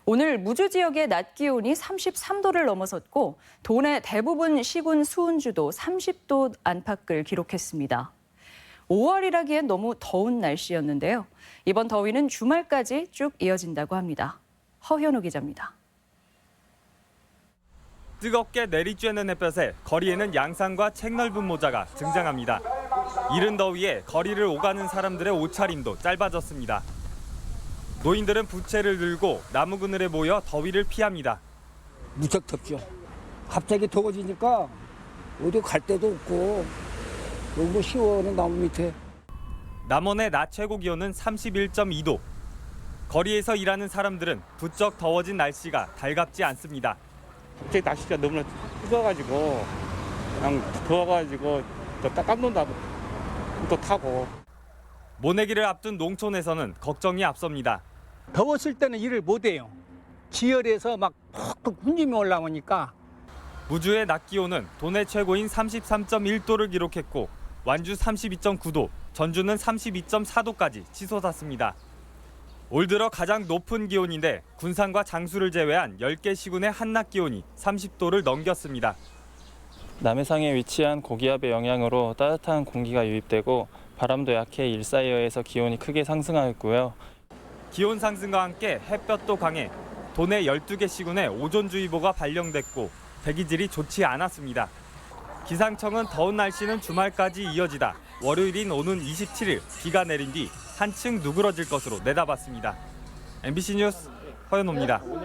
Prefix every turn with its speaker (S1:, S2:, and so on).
S1: 오늘 무주 지역의 낮 기온이 33도를 넘어섰고 도내 대부분 시군 수은주도 30도 안팎을 기록했습니다. 5월이라기엔 너무 더운 날씨였는데요. 이번 더위는 주말까지 쭉 이어진다고 합니다. 허현우 기자입니다.
S2: 뜨겁게 내리쬐는 햇볕에 거리에는 양산과 책 넓은 모자가 등장합니다. 이른 더위에 거리를 오가는 사람들의 옷차림도 짧아졌습니다. 노인들은 부채를 들고 나무 그늘에 모여 더위를 피합니다.
S3: 무척 덥죠. 갑자기 더워지니까 어디 갈 데도 없고 너무 시원해 나무 밑에.
S2: 남원의 낮 최고 기온은 31.2도. 거리에서 일하는 사람들은 부쩍 더워진 날씨가 달갑지 않습니다.
S4: 갑자기 날씨가 너무나 추워가지고 그냥 더워가지고 또 깜놀다 또 타고.
S2: 모내기를 앞둔 농촌에서는 걱정이 앞섭니다.
S5: 더웠을 때는 일을 못해요. 지열에서 막 푹푹 군침이 올라오니까.
S2: 무주의 낮 기온은 도내 최고인 33.1도를 기록했고 완주 32.9도, 전주는 32.4도까지 치솟았습니다. 올 들어 가장 높은 기온인데 군산과 장수를 제외한 10개 시군의 한낮 기온이 30도를 넘겼습니다.
S6: 남해상에 위치한 고기압의 영향으로 따뜻한 공기가 유입되고 바람도 약해 일사이어에서 기온이 크게 상승하였고요.
S2: 기온 상승과 함께 햇볕도 강해 도내 12개 시군에 오존주의보가 발령됐고 대기질이 좋지 않았습니다. 기상청은 더운 날씨는 주말까지 이어지다 월요일인 오는 27일 비가 내린 뒤 한층 누그러질 것으로 내다봤습니다. MBC 뉴스 허연호입니다.